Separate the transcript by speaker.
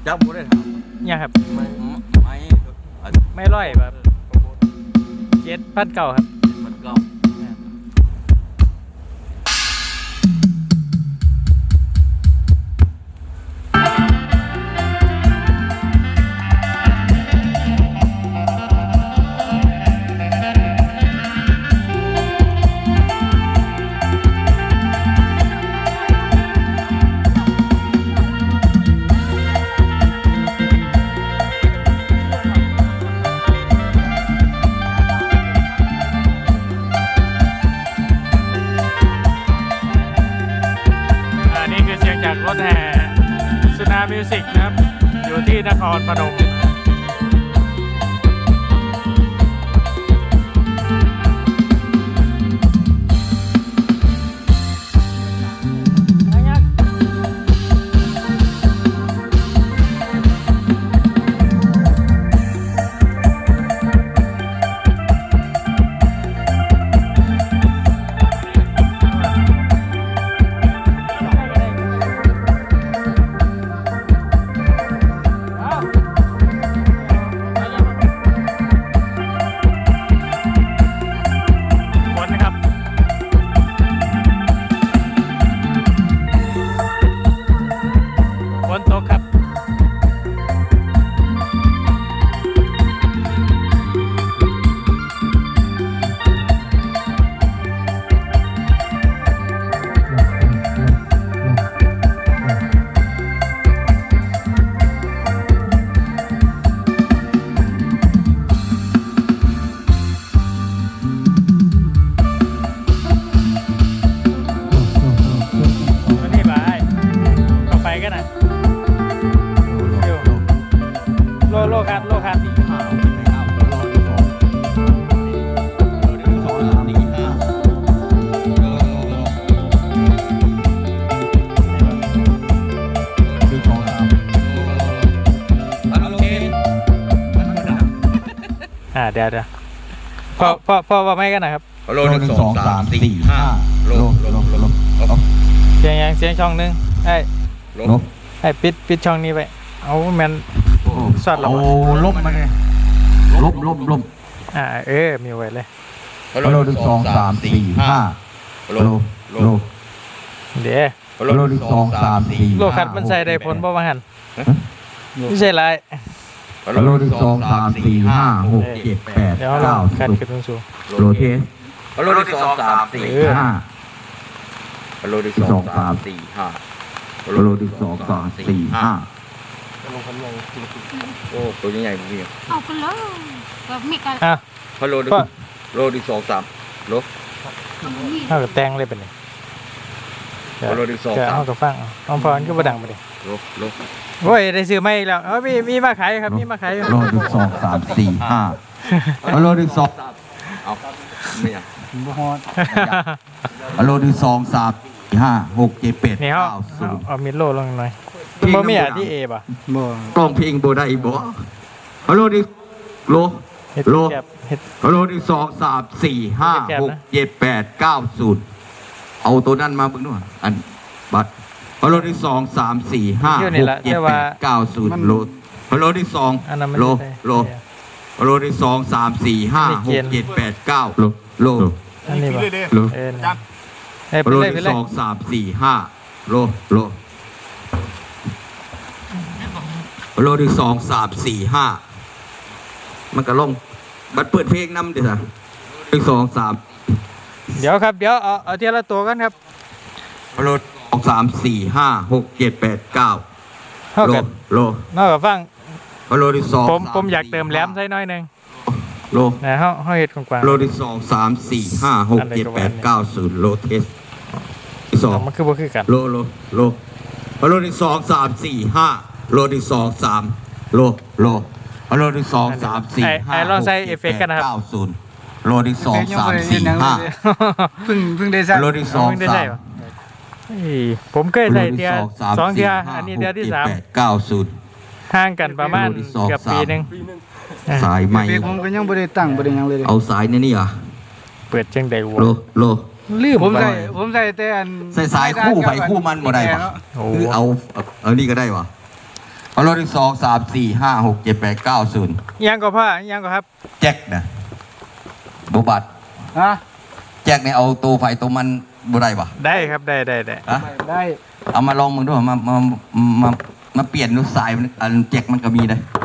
Speaker 1: จับบ่ได้ถาม
Speaker 2: เนี่ยครับ
Speaker 1: ไม่
Speaker 2: ไม่ร้อยแบบ7,900ครับ
Speaker 1: มันเก่า
Speaker 2: นี่คือเสียงจากรถแห่สุนามิวสิกนะครับอยู่ที่นครพนมฝนตกครับวันนี้บ่ายก็ไปกันนะโลคัดเดี๋ยวพ่อว่าไม่กันนะครับ
Speaker 1: โล1 2 3 4 5โล
Speaker 2: เสียงช่องนึงให้ปิดช่องนี้ไปเอาแมนสอดเรา
Speaker 3: ลบมาเลยลบ
Speaker 2: มีไว้เลย
Speaker 3: โล1 2 3 4 5โล
Speaker 2: เดี๋ยว
Speaker 3: โล1 2 3 4
Speaker 2: โลคัดมันใส่ได้ผลบ่ว่าหันไม่ใช่ไร
Speaker 3: โล1 2 3 4 5 6 7 8
Speaker 2: เดี๋ยวเราคัด
Speaker 3: 9
Speaker 2: ขึ้นสูง
Speaker 3: โลเทส
Speaker 1: โล1 2 3 4
Speaker 3: 5
Speaker 1: โล1 2 3 4 5
Speaker 3: โล1 2 3 4 5
Speaker 1: โอ้ตัวใหญ่ๆพี่
Speaker 4: เอากันเลยแบบมีการ
Speaker 1: โล1 2 3โล
Speaker 2: เท่ากับแตงเลยเป็นไง
Speaker 1: โล1 2
Speaker 2: เท่ากับฟังเอาพรก็บ่ดังไปดิ
Speaker 1: โล
Speaker 2: โอ้ยได้ซื้อมาอีกแล้วมีมาขายครับมีมาขาย
Speaker 3: โล1 2 3 4 5โล1 2
Speaker 1: เอาไม่อยาก
Speaker 3: โล1 2 3 5 6 7 8
Speaker 2: นี่เอามิดโลลงหน่อยบ่มีที่เอป่ะ
Speaker 3: กล้องเพลงบ่ได้บ่โล1โล
Speaker 2: เฮ็ด
Speaker 3: โล
Speaker 2: แกบเฮ็ด
Speaker 3: โล1 2 3 4 5 6 7 8 9 0เอาตัวนั้นมาเบิ่งด้วยอันบัตรโล1 2 3 4 5 6 7 8 9 0โล1 2โลโล1 2 3 4 5 6 7 8 9โล
Speaker 2: อันนี้ป่ะ
Speaker 3: โล
Speaker 2: ไป
Speaker 3: โล
Speaker 2: เลย
Speaker 3: 1 2 3 4 5โลโล1 2 3 4 5มันก็ลงบัดเปิดเพลงนำดิซะ1 2 3
Speaker 2: เดี๋ยวครับเดี๋ยวเอาทีละตัวกันครับ
Speaker 3: โล2 3 4 5 6 7 8 9
Speaker 2: เท่ากับ
Speaker 3: โล
Speaker 2: นอกจากฟัง
Speaker 3: โลที่2
Speaker 2: ผมอยากเติมแหลมใส่น้อยนึง
Speaker 3: โล
Speaker 2: นะเฮาเฮ็ดกว้าง
Speaker 3: โลที่2 3 4 5 6 7 8 9 0โลเทสที่2
Speaker 2: มันคือบ่คือกัน
Speaker 3: โลโลที่2 3 4 5โลที่2 3โลโลที่2 3 4 5
Speaker 2: ลองใส่เอฟเฟกต์กันนะครับ
Speaker 3: 9 0โลที่2 3 4 5
Speaker 5: เพิ่งได้ใส่
Speaker 3: โลที่2
Speaker 2: ไม่ได้ใส่
Speaker 3: 3
Speaker 2: ผมเคยใส่เทีย2เทียอันนี้เทียที่3
Speaker 3: 9 0
Speaker 2: ห่างกันประมาณเกือบปีนึง
Speaker 3: สายใหม่
Speaker 5: เฟซผมก็ยังบ่ได้ตั้งบ่ได้หยังเลย
Speaker 3: เอาสายนี่อ่ะ
Speaker 2: เปิดจังได๋วะ
Speaker 3: โล
Speaker 2: ลืม
Speaker 5: ผมใส่แต่อัน
Speaker 3: ใส่สายคู่ไปคู่มันบ่ได้ปะคือเอานี่ก็ได้วะพอรถที่2 3 4 5 6 7 8 9 0
Speaker 2: ยังก็พ่อยังก็ครับ
Speaker 3: แจ็คนะบบัตร
Speaker 5: ฮะ
Speaker 3: แจ็คเนี่ยเอาตัวไฟตัวมันบ่ได้ปะ
Speaker 2: ได้ครับได้
Speaker 3: ฮะ
Speaker 5: ได้
Speaker 3: เอามาลองมึงด้วยมาเปลี่ยนดูสายมันอันแจ็คมันก็มีนะ